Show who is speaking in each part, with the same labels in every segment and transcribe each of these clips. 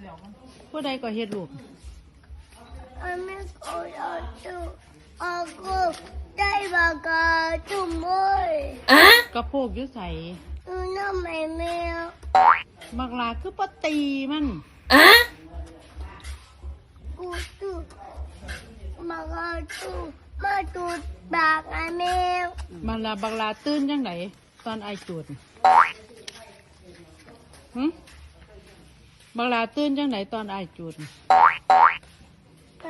Speaker 1: ผู้ใดก็เฮ็ดลูก
Speaker 2: อันนี้ก็จะจุอากูได้บากาจุ่มเลย
Speaker 1: กระโปกอยู่ใส่
Speaker 2: น้ำไม่แมว
Speaker 1: มักลาคือปตีมัน
Speaker 2: กูจุมากาจุมาจุดบากไอแมว
Speaker 1: มันลาบักลาตื่นยังไงตอนไอจุดบักลาตื่นยังไงตอนไอจุด
Speaker 2: ไป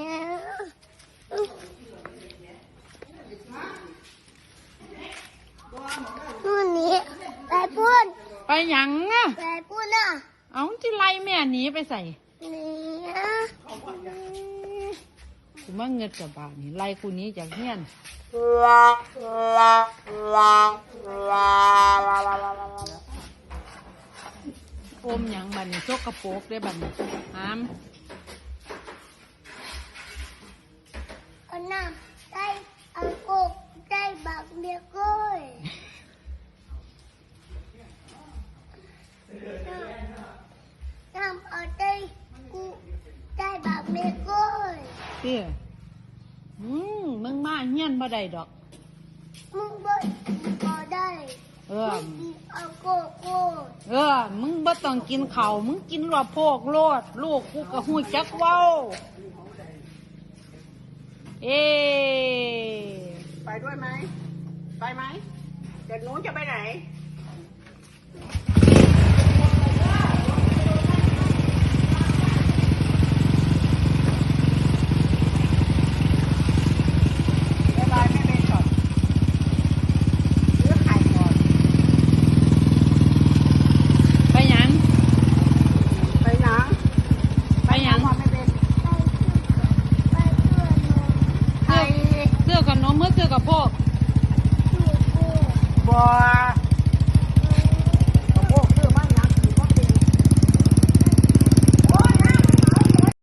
Speaker 2: นู่นนี่ไปพูด
Speaker 1: ไปหยังอ่ะ
Speaker 2: ไปพูดน่ะ
Speaker 1: เอาที่ไล่แม่หนีไปใส่
Speaker 2: นี่
Speaker 1: กูมาเงินกับบาทนี่ไล่กูนี้จากเฮียนอมหยังบัดนี้ชกกระโปกได้บัดนี้หาม
Speaker 2: อันน่ะได้อังกุกได้บักเมียก้อยน้ำเอาได้กูได้บักเมียก้อย
Speaker 1: เตี้ยมึงมาเฮียนบ่ได้ดอก
Speaker 2: มึงบ่ได้อังกุกกู
Speaker 1: มึงบ่ต้องกินข้าวมึงกินรอโพกโลดลูกกูก็หูจักเว้า
Speaker 3: ไปด้วยไหมไปไหมเด็กหนูจะไปไหนบายไม่เป็นก่อนหรือไข่ก่อน
Speaker 1: ไปหยัง
Speaker 3: ไปหนัง
Speaker 1: ไปหยัง
Speaker 3: ไม่เป็น
Speaker 2: ไป
Speaker 1: เสื้อกับนมเมื่อเสื้อกับพวก
Speaker 3: บัว